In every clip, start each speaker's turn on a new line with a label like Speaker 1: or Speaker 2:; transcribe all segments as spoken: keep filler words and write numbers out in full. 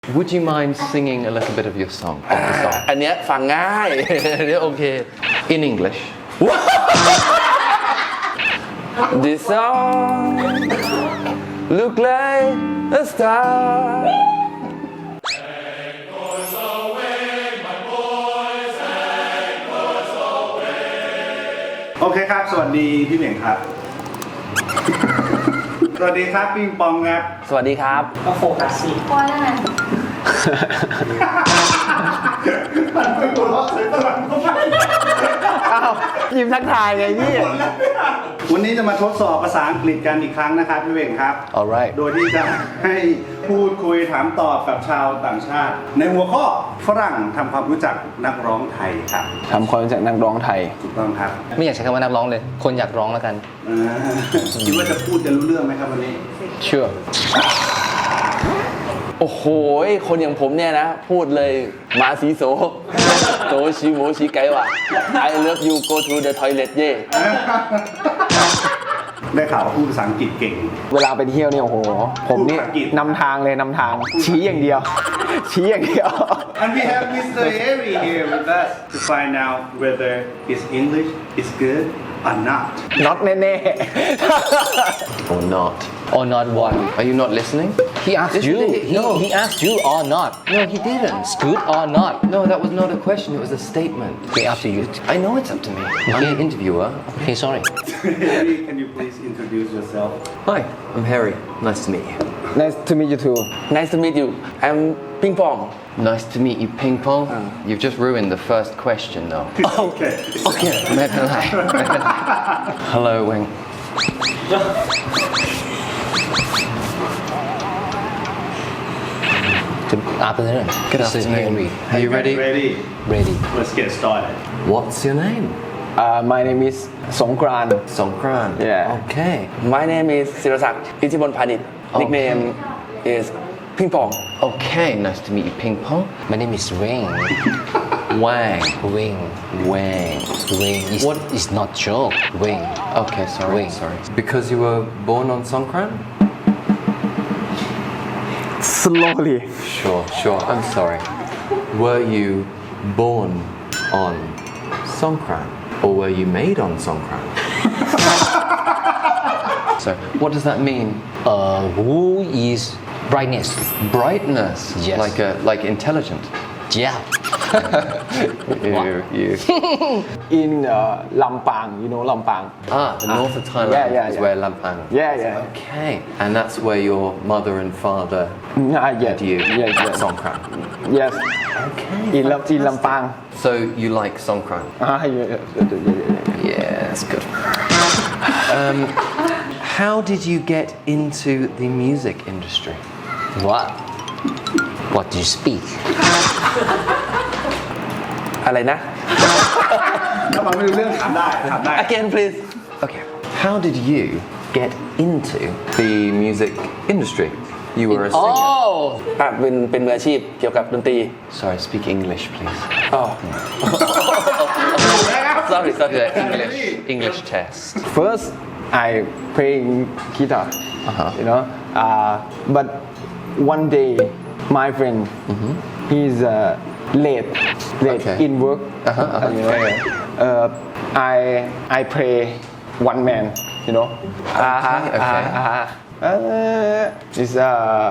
Speaker 1: Would you mind singing a little bit of your song of the song
Speaker 2: อันเนี้ยฟังง่าย อันเนี้ยโอเค
Speaker 1: in English
Speaker 2: This song look like a star
Speaker 3: โอเคครับสวัสดีพี่เหม่งครับ สวัสดีครับปิงปองครับ
Speaker 2: สวัสดีครับ
Speaker 4: ก็โฟกัสสิ
Speaker 5: พอแล้วไง
Speaker 3: มันไม่หัวเราะเลยตลอดเข้าไป
Speaker 2: อ้าวยิ้มทักทายไงพี่
Speaker 3: วันนี้จะมาทดสอบภาษาอังกฤษกันอีกครั้งนะครับพี่เหม่งครับ
Speaker 2: alright
Speaker 3: โดยที่จะให้พูดคุยถามตอบกับชาวต่างชาติ ในหัวข้อฝรั่งทำความรู้จักนักร้องไทยครับ
Speaker 6: ทำความรู้จักนักร้องไทย
Speaker 3: ถูกต้องครับ
Speaker 4: ไม่อยากใช้คำว่านักร้องเลย คนอยากร้องแล้วกัน
Speaker 3: อ่าคิดว่าจะพูดจะรู้เรื่องไหมครับวันนี้
Speaker 4: เชื่อ
Speaker 2: โอ้โห คนอย่างผมเนี่ยนะ พูดเลยมาสีโซโตชิโมชิไกวะ I love you go to the toilet เย่
Speaker 3: ได้ข่าวว่าพูดภาษาอังกฤษเก่ง
Speaker 6: เวลาไปเที่ยวเนี่ยโอ้โห ผมนี่
Speaker 3: พูดภาษาอังกฤษ
Speaker 6: นำทางเลยนำทาง ชี้อย่างเดียว ชี้อย่างเดียว
Speaker 3: And we have Mister Harry here with us to find out whether his English is good or not.
Speaker 6: น็อตแน่
Speaker 1: or not
Speaker 4: or not one
Speaker 1: are you not listening
Speaker 4: he asked
Speaker 1: Yes,
Speaker 4: you
Speaker 1: he did.
Speaker 4: he,
Speaker 1: No.
Speaker 4: he asked you or not
Speaker 1: no he didn't
Speaker 4: it's good or not
Speaker 1: no that was not a question it was a statement
Speaker 4: okay up to you
Speaker 1: I know it's up to me I'm the interviewer
Speaker 4: okay sorry
Speaker 3: Harry, can you please introduce yourself?
Speaker 1: hi I'm Harry nice to meet you
Speaker 6: ๆ nice to meet you too
Speaker 2: Nice to meet you I'm ปิงปอง
Speaker 1: nice to meet you ping pong you've just ruined the first question though
Speaker 3: Okay.
Speaker 1: okay ไม่เป็นไรไม่เป็นไร hello Wing
Speaker 4: Good afternoon
Speaker 1: Good
Speaker 4: This is
Speaker 1: afternoon.
Speaker 4: Henry.
Speaker 1: Are you ready?
Speaker 3: Ready?
Speaker 4: Ready
Speaker 3: Let's get started.
Speaker 1: What's your name?
Speaker 6: uh, my name is สงกรานต์
Speaker 1: Songkran.
Speaker 6: Yeah.
Speaker 1: Okay.
Speaker 2: My name is ศิรศักดิ์อิทธิพลพาณิชย์ Nickname is ปิงปอง
Speaker 1: Okay. Nice to meet you, Ping Pong.
Speaker 4: My name is Wing
Speaker 1: Wang.
Speaker 4: Wing
Speaker 1: Wang.
Speaker 4: Wing is,
Speaker 1: What?
Speaker 4: is not joke Wing
Speaker 1: Okay. Sorry.
Speaker 4: Wing.
Speaker 1: Sorry. Because you were born on Songkran.
Speaker 6: slowly
Speaker 1: Sure. Sure. I'm sorry. Were you born on Songkran, or were you made on Songkran? So, what does that mean?
Speaker 4: uh, who is brightness
Speaker 1: Brightness.
Speaker 4: Yes.
Speaker 1: Like a like intelligent.
Speaker 4: yeah
Speaker 1: You. You.
Speaker 6: in uh, ลำปาง you know ลำปาง
Speaker 1: Ah, the north of Thailand
Speaker 6: Yeah, yeah,
Speaker 1: is
Speaker 6: yeah.
Speaker 1: where Lampang.
Speaker 6: yeah yeah
Speaker 1: Okay, and that's where your mother and father
Speaker 6: ah yes
Speaker 1: had you
Speaker 6: yes
Speaker 1: at
Speaker 6: yes
Speaker 1: Songkran.
Speaker 6: yes
Speaker 1: Okay.
Speaker 6: in ลำ in ลำปาง
Speaker 1: So you like Songkran?
Speaker 6: ah yeah yeah yeah, yeah.
Speaker 1: Yeah, that's good. um, how did you get into the music industry?
Speaker 4: what what do you speak
Speaker 2: อะไรนะ
Speaker 3: ถ้ามันไม่รู้เรื่องถามได้ถามได้
Speaker 2: Again please
Speaker 1: Okay. How did you get into the music industry? You were a singer.
Speaker 4: oh
Speaker 2: อ่ะเป็นเป็นมืออาชีพเกี่ยวกับดนตรี
Speaker 1: Sorry, speak English, please.
Speaker 2: อ๋อ sorry sorry
Speaker 1: The English English test.
Speaker 6: first I playing guitar
Speaker 1: Uh-huh.
Speaker 6: you know uh, but one day my friend he's uh, late late
Speaker 1: Okay.
Speaker 6: in work
Speaker 1: Uh-huh, uh-huh.
Speaker 6: you know uh, I I play one man you know
Speaker 2: Uh-huh,
Speaker 1: okay.
Speaker 6: uh, uh, uh, it's uh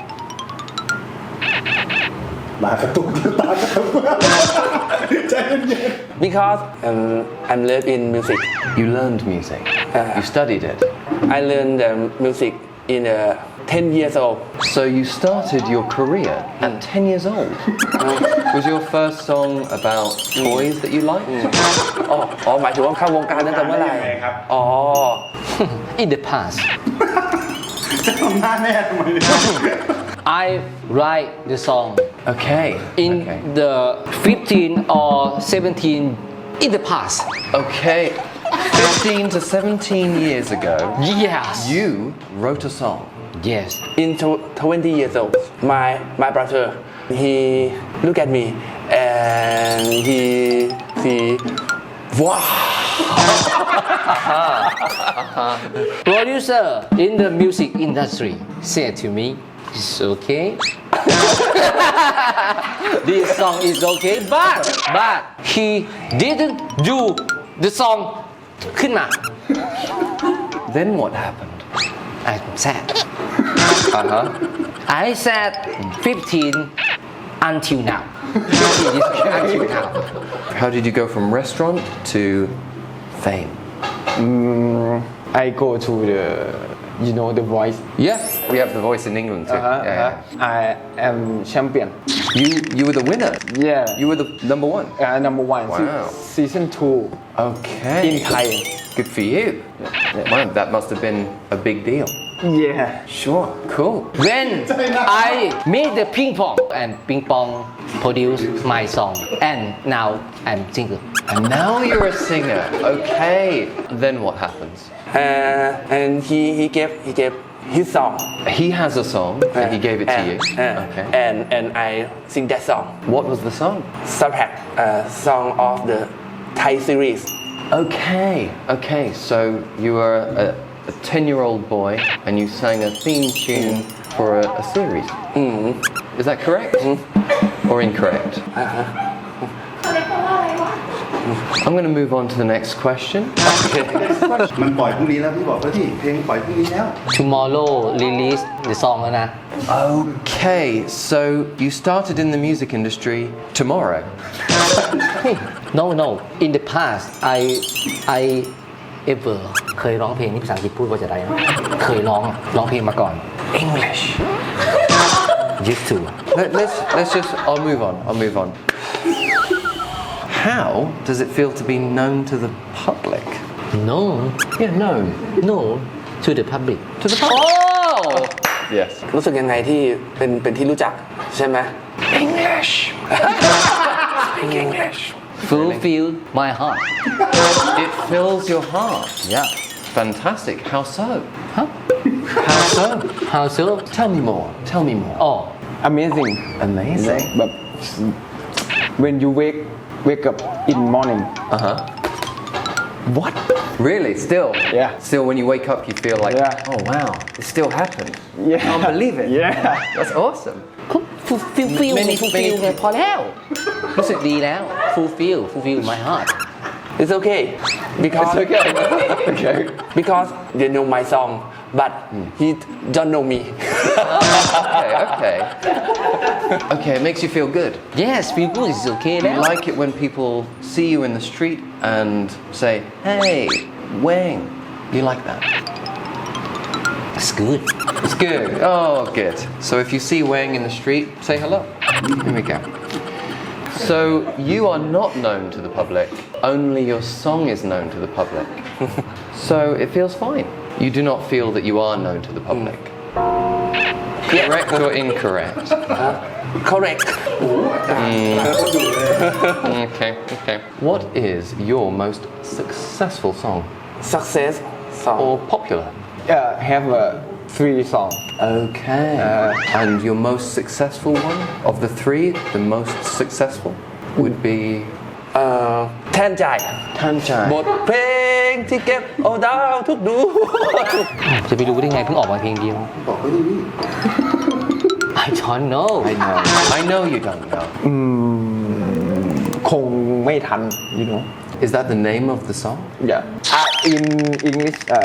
Speaker 3: ตากระตุกตากระตุกใจเย็น
Speaker 2: because um, I'm live in music
Speaker 1: You learned music. You studied it.
Speaker 2: I learned um, music in uh, ten years old
Speaker 1: So you started your career at ten years old. Was your first song about toys that you liked?
Speaker 2: อ๋ออ๋อหมายถึงว่าเข้าวงการตั้งแต่เมื่อไหร่
Speaker 3: ได้ยังไงครับ
Speaker 2: อ๋อ
Speaker 4: in the past
Speaker 3: จะทำหน้าแม่ทำไมเนี่ย
Speaker 4: I write the song
Speaker 1: Okay.
Speaker 4: in
Speaker 1: okay.
Speaker 4: the fifteen or seventeen in the past
Speaker 1: Okay. fifteen to seventeen years ago,
Speaker 4: yes
Speaker 1: you wrote a song.
Speaker 4: yes
Speaker 2: in tw- twenty years old my my brother he look at me and he see wow
Speaker 4: producer in the music industry said to me it's okay This song is okay but but he didn't do the song ขึ้นมา
Speaker 1: Then what happened?
Speaker 4: I'm sad
Speaker 1: Uh-huh.
Speaker 4: I said fifteen until now fifteen is until now
Speaker 1: How did you go from restaurant to fame?
Speaker 6: I go to the you know the voice
Speaker 1: Yes, we have the voice in England too.
Speaker 6: uh-huh,
Speaker 1: Yeah,
Speaker 6: uh-huh.
Speaker 1: yeah.
Speaker 6: I am champion
Speaker 1: You you were the winner.
Speaker 6: yeah
Speaker 1: You were the number one.
Speaker 6: uh, number one Se-
Speaker 1: Wow.
Speaker 6: season two
Speaker 1: Okay.
Speaker 6: in Thai
Speaker 1: Good for you. Wow, that must have been a big deal.
Speaker 6: yeah
Speaker 1: Sure. Cool.
Speaker 4: when I made the ping pong and ping pong produced my song and now I'm single
Speaker 1: And now you're a singer. Okay. Then what happens?
Speaker 2: uh, and he he gave he gave his song.
Speaker 1: He has a song and he gave it to
Speaker 2: and,
Speaker 1: you.
Speaker 2: uh,
Speaker 1: Okay.
Speaker 2: and and I sing that song.
Speaker 1: What was the song?
Speaker 2: Subhack, uh, song of the Thai series.
Speaker 1: Okay. Okay. So you were a, a ten-year-old boy and you sang a theme tune for a, a series. Is that correct? Or incorrect? I'm going to move on to the next question.
Speaker 3: มันปล่อยพรุ่งนี้แล้วพี่บอกแล้วที่เพลงปล่อยพรุ่งนี้แล้ว
Speaker 4: tomorrow release the song แล้วนะ
Speaker 1: Okay, so you started in the music industry tomorrow.
Speaker 4: no no in the past I I ever เคยร้องเพลงนี่ภาษาอังกฤษพูดว่าจะได้นะเคยร้องร้องเพลงมาก่อน English used to
Speaker 1: Let, let's let's just. I'll move on. I'll move on. How does it feel to be known to the public?
Speaker 4: no
Speaker 1: Yeah, known
Speaker 4: no to the public
Speaker 1: to the public.
Speaker 4: oh
Speaker 1: Yes.
Speaker 2: รู้สึกยังไงที่เป็นเป็นที่รู้จักใช่ไหม
Speaker 1: English. Speak English.
Speaker 4: fulfill my heart
Speaker 1: It fills your heart.
Speaker 4: yeah
Speaker 1: Fantastic. How so?
Speaker 4: huh
Speaker 1: How so?
Speaker 4: how so
Speaker 1: Tell me more. Tell me more.
Speaker 4: oh
Speaker 6: amazing
Speaker 1: Amazing.
Speaker 6: but when you wake wake up in morning
Speaker 1: Uh huh. What? Really? Still?
Speaker 6: Yeah.
Speaker 1: Still, when you wake up, you feel like,
Speaker 6: Yeah.
Speaker 1: oh wow, it still happened.
Speaker 6: Yeah.
Speaker 1: Can't believe it.
Speaker 6: Yeah.
Speaker 1: That's awesome.
Speaker 4: ฟูฟิลฟิล
Speaker 1: Many-
Speaker 4: ฟูฟิล
Speaker 1: many-
Speaker 4: ไงพอแล้ว รู้สึกดีแล้ว fulfill fulfill my heart
Speaker 2: It's okay because
Speaker 1: It's okay. Okay.
Speaker 2: because they know my song but he don't know me.
Speaker 1: Okay. Okay. Okay. It makes you feel good.
Speaker 4: yes feel good is okay
Speaker 1: You
Speaker 4: แล้ว
Speaker 1: like it when people see you in the street and say, "Hey, Wang." You like that?
Speaker 4: it's good
Speaker 1: It's good. Oh, good. So if you see Wang in the street, say hello. Here we go. So you are not known to the public. Only your song is known to the public. So it feels fine. You do not feel that you are known to the public. Correct or incorrect?
Speaker 2: Correct.
Speaker 1: Okay. Okay. What is your most successful song
Speaker 2: Success song.
Speaker 1: or popular?
Speaker 6: uh, have a three song
Speaker 1: Okay. and your most successful one of the three, the most successful would be
Speaker 2: เอ่อแทนใจ
Speaker 1: Tanjai.
Speaker 2: บทเพลงที่เก็บเอาดาวทุกดวง
Speaker 4: จะไปรู้ได้ไงเพิ่งออกมาเพลงเดียว
Speaker 3: บอกเขาดีพี่
Speaker 4: I don't know
Speaker 1: I know. I know you don't know.
Speaker 6: คงไม่ทัน you know
Speaker 1: Is that the name of the song?
Speaker 6: yeah uh, in English uh,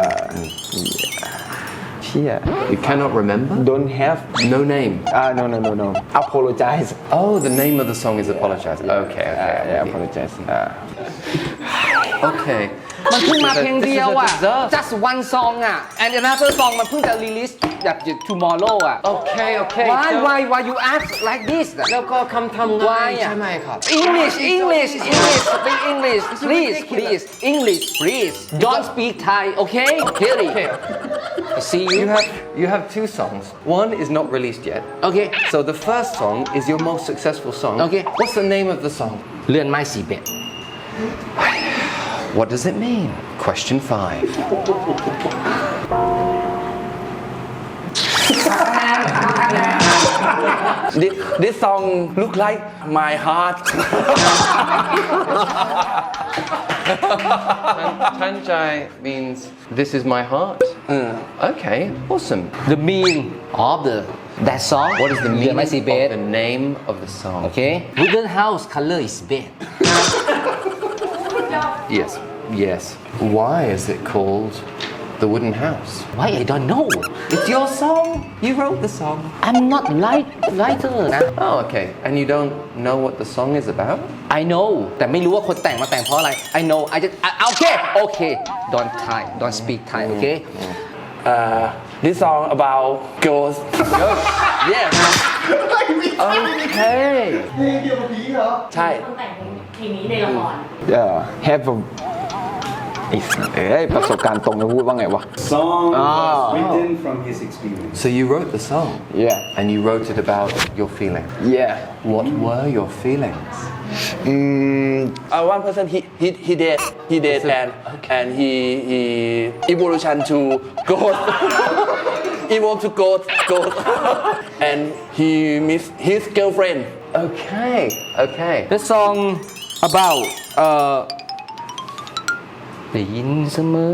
Speaker 6: yeah.
Speaker 1: You cannot remember?
Speaker 6: don't have
Speaker 1: No name.
Speaker 6: uh, no no no no apologize
Speaker 1: Oh, the name of the song is Apologize. Okay,
Speaker 6: uh,
Speaker 1: okay.
Speaker 6: yeah
Speaker 1: I'm with
Speaker 6: apologize uh,
Speaker 1: you. Okay.
Speaker 4: มันเพิ่งมาเพลงเดียวอ่ะ
Speaker 1: This is a disaster.
Speaker 4: just one song อ่ะ and another song มันเพิ่งจะ release แบบ tomorrow อ่ะ
Speaker 1: Okay, okay.
Speaker 4: why
Speaker 1: so-
Speaker 4: why why you ask like this อ่ะ
Speaker 1: แล้วก็คำทำ
Speaker 4: Why
Speaker 1: ง่าย
Speaker 4: อ่ะ
Speaker 1: ใช่ไหมครับ
Speaker 4: English English English speak English please please English please don't speak Thai okay Harry
Speaker 1: Okay.
Speaker 4: see you
Speaker 1: You have you have two songs. One is not released yet.
Speaker 4: okay
Speaker 1: So the first song is your most successful song.
Speaker 4: Okay.
Speaker 1: What's the name of the song?
Speaker 4: เลื่อนไม้สีเบ็ด
Speaker 1: What does it mean? Question five.
Speaker 2: this, this song look like my heart.
Speaker 1: Tanjai means this is my heart. Okay, awesome.
Speaker 4: the mean of the that song
Speaker 1: What is the
Speaker 4: เดือน
Speaker 1: meaning
Speaker 4: ไม้สีเบ
Speaker 1: of
Speaker 4: ส
Speaker 1: the name of the song?
Speaker 4: okay wooden house color is bed
Speaker 1: Yes, yes. Why is it called The Wooden House?
Speaker 4: why I don't know
Speaker 1: It's your song. You wrote the song.
Speaker 4: I'm not write writer นะ
Speaker 1: Oh, okay. And you don't know what the song is about?
Speaker 4: I know แต่ไม่รู้ว่าคนแต่งมาแต่งเพราะอะไร I know I just I- okay okay don't Thai don't speak Thai okay
Speaker 2: uh, this song about girls
Speaker 4: yes
Speaker 1: Okay.
Speaker 2: ใช่
Speaker 5: คนแต่งเพลงนี้ในละคร
Speaker 6: uh, have a ไอ้เอ้ยประสบการณ์ตรงจะพูดว่าไงวะ
Speaker 3: Song was
Speaker 6: Ah.
Speaker 3: written from his experience.
Speaker 1: So you wrote the song?
Speaker 6: yeah
Speaker 1: And you wrote it about your feeling.
Speaker 6: yeah
Speaker 1: What were your feelings?
Speaker 2: uh, one person he he he dead he dead and and he he evolution to ghost evolve to ghost ghost and he miss his girlfriend
Speaker 1: Okay, okay.
Speaker 4: the song about เอ่อได้ยินเสมอ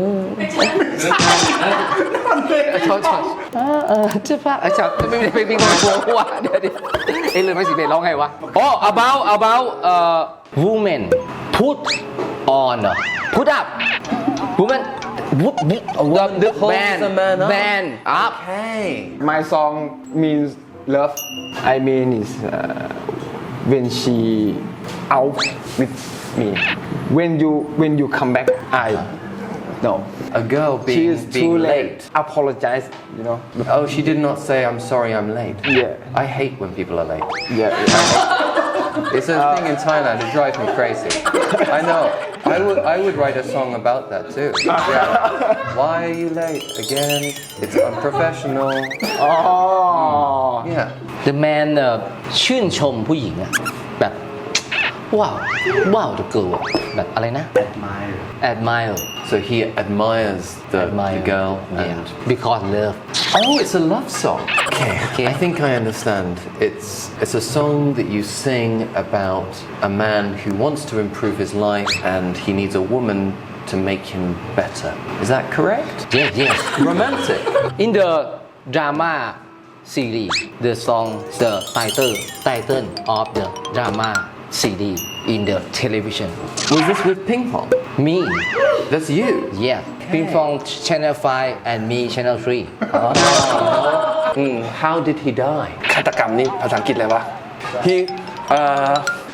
Speaker 4: ชอบชอบเออเออเจ้าฟ้าเออชอบไม่ไม่ไม่ไม่งงงงว่ะเดี๋ยวเดี๋ยวเอ้ยเลยไม่สิเบสร้องไงวะอ๋อ about about เอ่อ woman put on เหรอ put up woman the the band
Speaker 1: a man up.
Speaker 4: band up
Speaker 1: Okay.
Speaker 6: my song means love I mean is uh, when she out with me when you when you come back I no
Speaker 1: A girl
Speaker 6: she
Speaker 1: being,
Speaker 6: is
Speaker 1: being
Speaker 6: too
Speaker 1: late.
Speaker 6: late apologize you know
Speaker 1: Oh, she did not say, I'm sorry I'm late.
Speaker 6: Yeah.
Speaker 1: I hate when people are late.
Speaker 6: yeah, yeah.
Speaker 1: It's a thing in Thailand, it drives me crazy. I know. I would, I would write a song about that too. Yeah. Why are you late again? It's unprofessional.
Speaker 6: oh
Speaker 1: Yeah.
Speaker 4: the man เอ่อชื่นชมผู้หญิงอะแบบว้าวว้าว the girl อะแบบอะไรนะ
Speaker 3: Admire.
Speaker 4: admire
Speaker 1: So he admires the,
Speaker 4: admire
Speaker 1: the girl
Speaker 4: yeah.
Speaker 1: and
Speaker 4: because love
Speaker 1: oh, it's a love song. Okay,
Speaker 4: Okay.
Speaker 1: I think I understand. It's it's a song that you sing about a man who wants to improve his life and he needs a woman to make him better. Is that correct?
Speaker 4: yes yes
Speaker 1: Romantic.
Speaker 4: in the drama series the song the title title of the drama series in the television
Speaker 1: Was this with ping pong?
Speaker 4: me
Speaker 1: That's you.
Speaker 4: yeah Ping Pong Channel five and me Channel three
Speaker 1: Mm, how did he die?
Speaker 2: ฆาตกรรมนี่ภาษาอังกฤษอะไรวะ he uh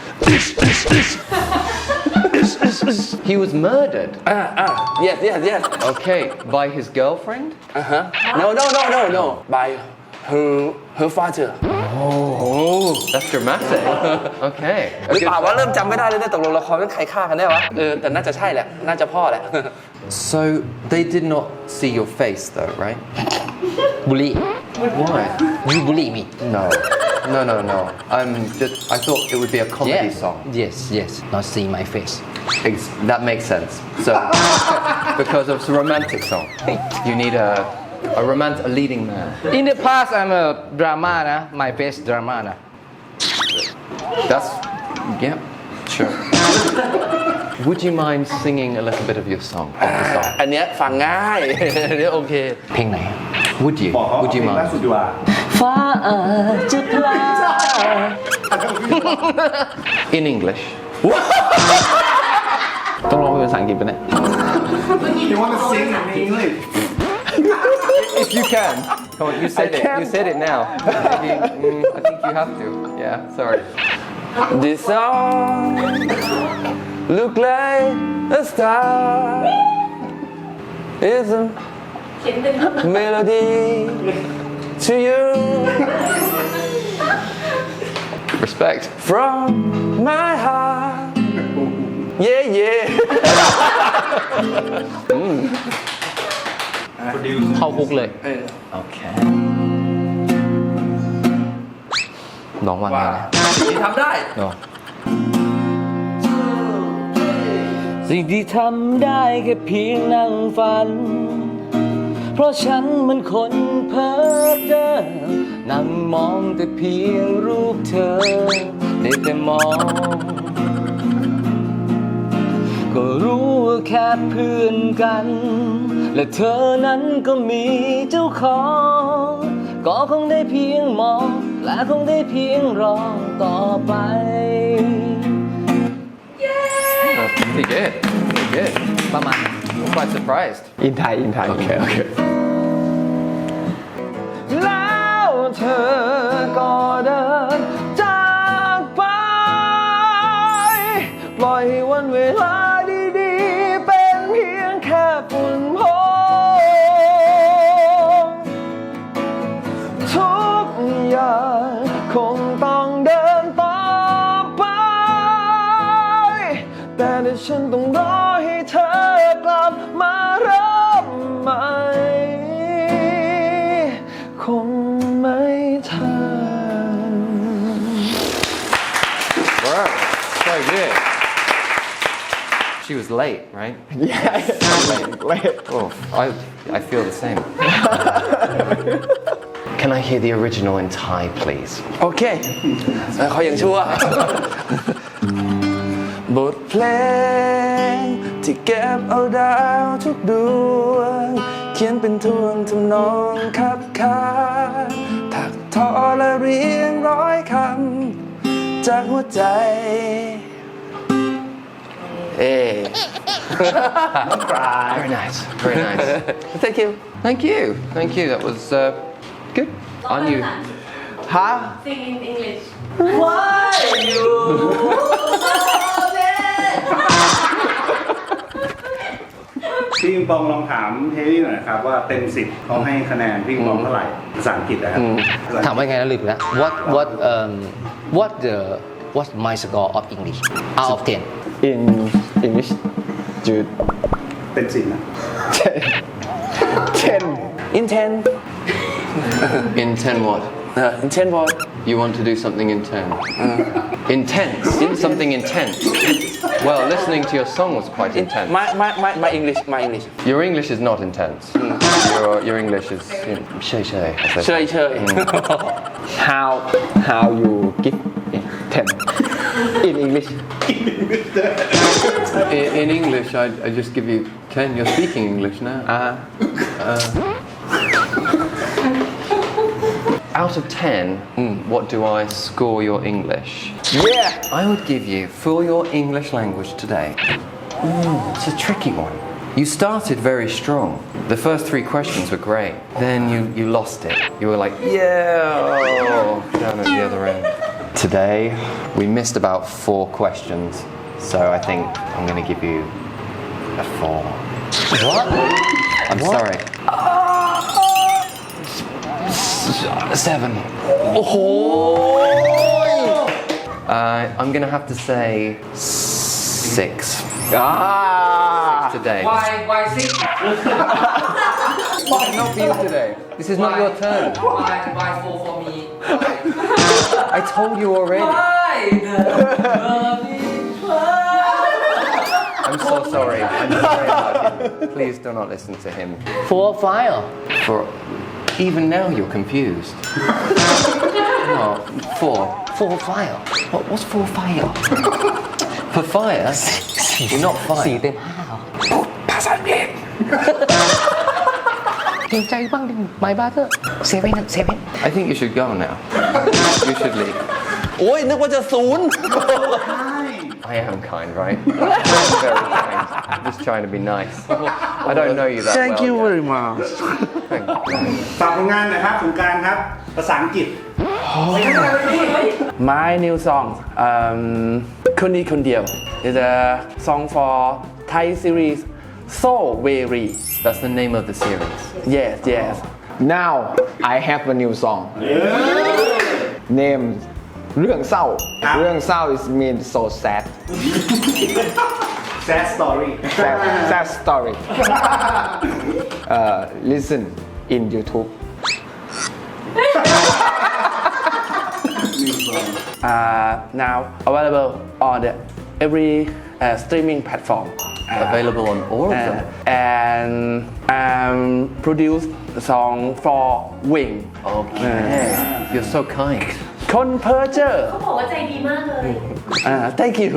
Speaker 1: He was murdered.
Speaker 2: อ่าอ่า yes yes yes
Speaker 1: Okay, by his girlfriend?
Speaker 2: uh-huh no no no no no by her her father
Speaker 1: Oh, that's dramatic. Okay.
Speaker 2: หรือเปล่าวะเริ่มจำไม่ได้เลยเนี่ยตกลงละครนั้นใครฆ่ากันแน่วะเออแต่น่าจะใช่แหละน่าจะพ่อแหละ
Speaker 1: So they did not see your face though, right?
Speaker 4: บุลี่
Speaker 1: Why?
Speaker 4: you bully me
Speaker 1: No. No, no, no. I'm just I thought it would be a comedy
Speaker 4: yeah.
Speaker 1: song.
Speaker 4: yes yes not see my face
Speaker 1: Ex- That makes sense. So because it's a romantic song. You need a a romance a leading man.
Speaker 4: in the past I'm a drama นะ my face drama นะ
Speaker 1: That's yeah, sure. Would you mind singing a little bit of your song? Of the song?
Speaker 2: อันเนี้ยฟังง่าย อันเนี้ยโอเค
Speaker 4: เพลงไหน
Speaker 1: Would you?
Speaker 3: บอกเขา
Speaker 1: Would you
Speaker 3: เพลงล่า
Speaker 1: mind?
Speaker 3: สุดดีกว่า
Speaker 4: ฟ้าอาจจะพลาด
Speaker 1: In English.
Speaker 6: ต้องร้องเป็นภาษาอังกฤษปะเนี่ย
Speaker 3: You want to sing in English?
Speaker 1: If you can. Come on, you said
Speaker 6: I
Speaker 1: it.
Speaker 6: can't.
Speaker 1: You said it now. Maybe, mm, I think you have to. Yeah, sorry.
Speaker 2: This song look like a star is a
Speaker 5: เขียนเป็น
Speaker 2: melody to you
Speaker 1: Respect.
Speaker 2: from my heart yeah yeah
Speaker 4: เข้าคุกเลย
Speaker 1: Okay. น้องว่าไงนะ
Speaker 2: ที่ทำได้
Speaker 1: น้อง
Speaker 4: สิ่งที่ทำได้แค่เพียงนั่งฝัน เพราะฉันมันคนเพ้อเจ้อนั่งมองแต่เพียงรูปเธอได้แต่มอง ก็รู้ว่าแค่เพื่อนกัน และเธอนั้นก็มีเจ้าของก็คงได้เพียงมองและคงได้เพียงรอต่อไป
Speaker 1: That's pretty good. Pretty good.
Speaker 4: ประมาณ
Speaker 1: I'm quite surprised.
Speaker 6: in Thai in Thai
Speaker 1: Okay, okay.
Speaker 6: แล้วเธอก็เดินจากไป ปล่อยให้วันเวลาดีๆ เป็นเพียงแค่ฝุ่นพงทุกอย่างคงต้องเดินต่อไป แต่ถ้าฉันต้องรอให้เธอกลับมาเริ่มใหม่ คงไม่ทัน
Speaker 1: Wow, so good. She was late, right?
Speaker 6: Yeah, late.
Speaker 1: Oh, I, I feel the same. Can I hear the original in Thai, please?
Speaker 2: โอเคเออเขายังชั่ว บทเพลงที่เก็บเอาดาวทุกดวง เขียนเป็นทวงทำนองคับคานถักทอและเรียงร้อยคำจากหัวใจ เอ๊
Speaker 1: Very nice, very nice.
Speaker 2: thank you
Speaker 1: Thank you, thank you. That was uh, good.
Speaker 5: ลอง
Speaker 1: Aren't
Speaker 5: ภา
Speaker 1: you?
Speaker 5: ษา
Speaker 6: ฮะ
Speaker 5: Sing in English
Speaker 3: พี่ปิงปองลองถามเฮลี่หน่อยนะครับว่าเต็มสิบเขาให้คะแนนพี่ปิงปองเท่าไหร่ภาษาอังกฤษนะครับ
Speaker 4: ถามว่าไงนะลืมไปแล้ว what what um what the what's my score of English out of ten
Speaker 6: in English จุด
Speaker 3: เต็มสิบนะ
Speaker 6: ten
Speaker 2: in ten
Speaker 1: In ten what?
Speaker 2: เออ in ten what
Speaker 1: You want to do something in ten? Intense. Something intense. Well, listening to your song was quite intense.
Speaker 2: my my my my English my English
Speaker 1: Your English is not intense. Your, your English is you know, shay shay. I said.
Speaker 2: เชยเชย
Speaker 6: how how you give ten in English
Speaker 1: In, in English, I, I just give you ten. You're speaking English now.
Speaker 6: uh
Speaker 1: Out of ten, what do I score your English?
Speaker 6: yeah
Speaker 1: I would give you, for your English language today, ooh, it's a tricky one. You started very strong. The first three questions were great. Then you, you lost it. You were like, yeah, oh, down at the other end. Today, we missed about four questions. So I think I'm going to give you a four.
Speaker 4: what
Speaker 1: I'm sorry. Seven.
Speaker 2: โอ้โห
Speaker 1: Uh, I'm going to have to say six
Speaker 6: ah
Speaker 1: today.
Speaker 4: why why six
Speaker 1: Why not you today? This is not your turn.
Speaker 4: why why four for me
Speaker 1: I told you already.
Speaker 4: why
Speaker 1: I'm so sorry. I'm sorry about him. Please do not listen to him.
Speaker 4: four five
Speaker 1: For even now you're confused. Oh, four.
Speaker 4: four five
Speaker 1: What, what's four fire? For fire? You're not
Speaker 4: สี่
Speaker 1: fire.
Speaker 4: เต็มห้า
Speaker 2: ภาษาอังกฤษ
Speaker 4: เกรงใจบ้างดิ my brother seven seven
Speaker 1: I think you should go now. You should leave.
Speaker 2: โอ้ยนึกว่าจะศูนย์
Speaker 1: I am kind, right? I'm very kind. I'm just trying to be nice. I don't know you that
Speaker 2: thank
Speaker 1: well
Speaker 2: you
Speaker 1: yet.
Speaker 2: very much
Speaker 1: Thank you.
Speaker 3: ฝากผลงานหน่อยครับสงกรานต์ครับ ภาษาอังกฤษ
Speaker 2: my new song um คนดีคนเดียว is a song for Thai series So Very
Speaker 1: That's the name of the series.
Speaker 2: yes yes
Speaker 6: now I have a new song name เรื่องเศร้า เรื่องเศร้า is mean so sad
Speaker 3: sad story
Speaker 6: sad sad story uh, listen in YouTube
Speaker 2: uh, now available on the every uh, streaming platform
Speaker 1: Available on all of
Speaker 2: uh,
Speaker 1: them.
Speaker 2: and um, produce the song for Wing
Speaker 1: Okay. You're so kind.
Speaker 2: คนเพ้อเจ้อ
Speaker 5: เขาบอกว่าใจดีมากเลย
Speaker 2: อ่า thank you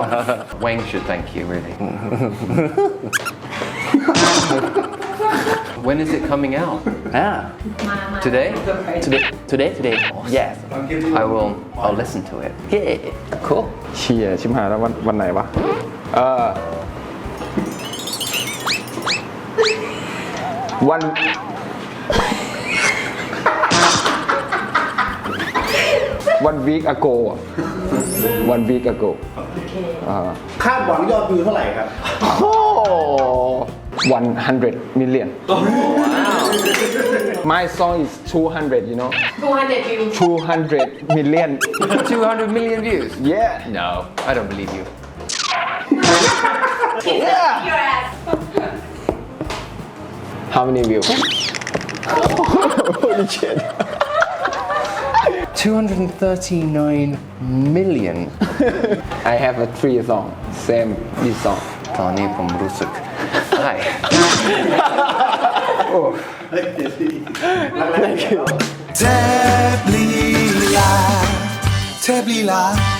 Speaker 1: Wayne should thank you, really. When is it coming out?
Speaker 2: อ่า
Speaker 5: มามา
Speaker 1: Today?
Speaker 2: today today today yes
Speaker 1: I will. I'll listen to it.
Speaker 2: yeah
Speaker 1: Cool.
Speaker 6: เชียชิมหายแล้ววันวันไหนวะ เออวัน one week ago อะ one week ago อ่า
Speaker 3: คาดหวังยอดวิวเท่าไหร่ครับ
Speaker 6: โอ้ one hundred million my song is two hundred you know
Speaker 5: two hundred views
Speaker 6: two hundred million
Speaker 1: two hundred million views.
Speaker 6: yeah
Speaker 1: No, I don't believe you.
Speaker 5: your ass
Speaker 6: how many views holy shit
Speaker 1: two hundred thirty-nine million.
Speaker 6: I have a three song same this song
Speaker 1: ตอนนี้ผมรู้สึกใช่
Speaker 3: เฮ้ยเดี๋ยวสิรักแรกเดียว
Speaker 7: เทพลีลาเทพลีลา